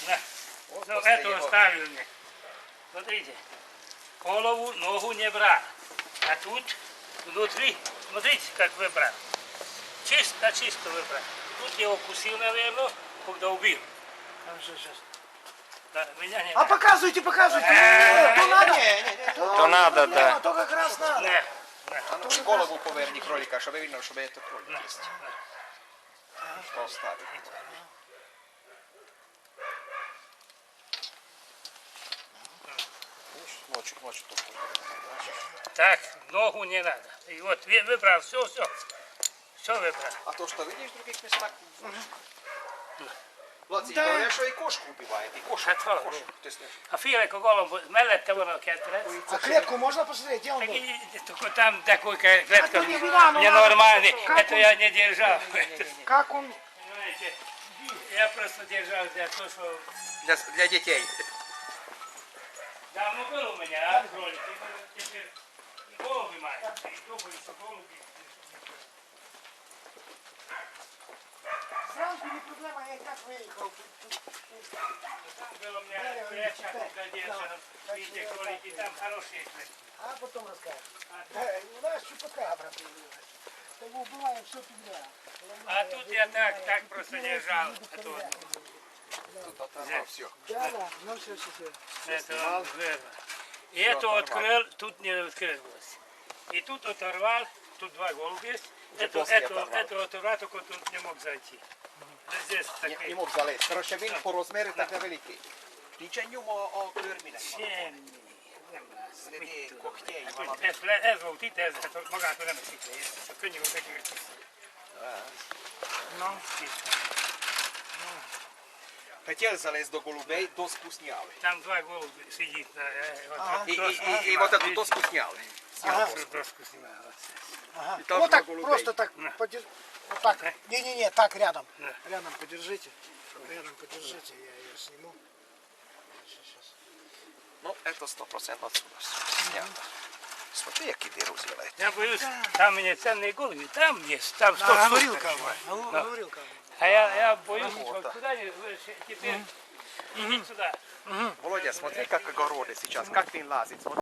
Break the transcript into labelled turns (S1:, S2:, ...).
S1: Вот ну, это оставил мне. Смотрите. Голову, ногу не брал. А тут внутри, смотрите, как выбрал. Чисто выбрал. Тут я укусил, наверное, когда убил. Сейчас. Да, меня не
S2: а показывайте. То надо.
S3: То надо, да.
S2: То как раз надо.
S4: А ну голову поверни кролика, чтобы видно, чтобы это кролик есть. Что оставить? Ночью только.
S1: Так, ногу не надо. И вот выбрал, все выбрал.
S4: А то, что видишь в других местах, Владимир, говорят, что и кошку убивает, и кошку.
S1: А филейку голову, mellette van a kettrec.
S2: А клетку можно посмотреть? Где он был?
S1: Только там такой клетка
S2: не видно, ну
S1: ненормальный.
S2: как
S1: Это
S2: он?
S1: я не держал.
S2: Как он?
S1: Понимаете, я просто держал для того, что...
S4: Для детей.
S1: Давно был у меня, кролик. Теперь голуби маленькие. Думаю, что голуби...
S2: Зранку не проблема, я и так выехал.
S1: Там было у меня клетка задержана. Видите, кролики, там хорошие клетки.
S2: А потом расскажешь. У нас чупакабра появилась. Того убиваем все подряд.
S1: А тут я так просто держал.
S4: Тут оторвал все.
S2: Да, ну все.
S1: Это он вырвал. И эту открыл, тут не открылось. И тут оторвал, тут два голубя есть. Эту оторвал, только тут не мог зайти. Здесь такие.
S4: Не мог залезть. Короче, він по розміру так невеликий. Нічого о клерміне. Сліди когтей.
S1: Ez volt itt, ez magától nem esik le, csak könnyű volt neki, hogy no,
S4: Хотел залезть до голубей, доску сняли.
S1: Там два голуби сидит на
S4: И вот эту доску сняли.
S1: доску снимал.
S2: Ага.
S4: И там
S2: Вот
S4: два
S2: так,
S4: голубей.
S2: просто так подержите. Вот так. Не, так рядом. Рядом подержите. Рядом подержите, я ее сниму. Сейчас.
S4: Ну, это 100% отсюда снято. Смотри, какие вирусы летят.
S1: Я боюсь, там у меня ценные голуби, там есть, там 100
S2: Говорил
S1: штук.
S2: кого. Говорил кого.
S1: А я боюсь, что куда теперь идите сюда.
S4: Володя, смотри, как огороды сейчас, как ты лазит.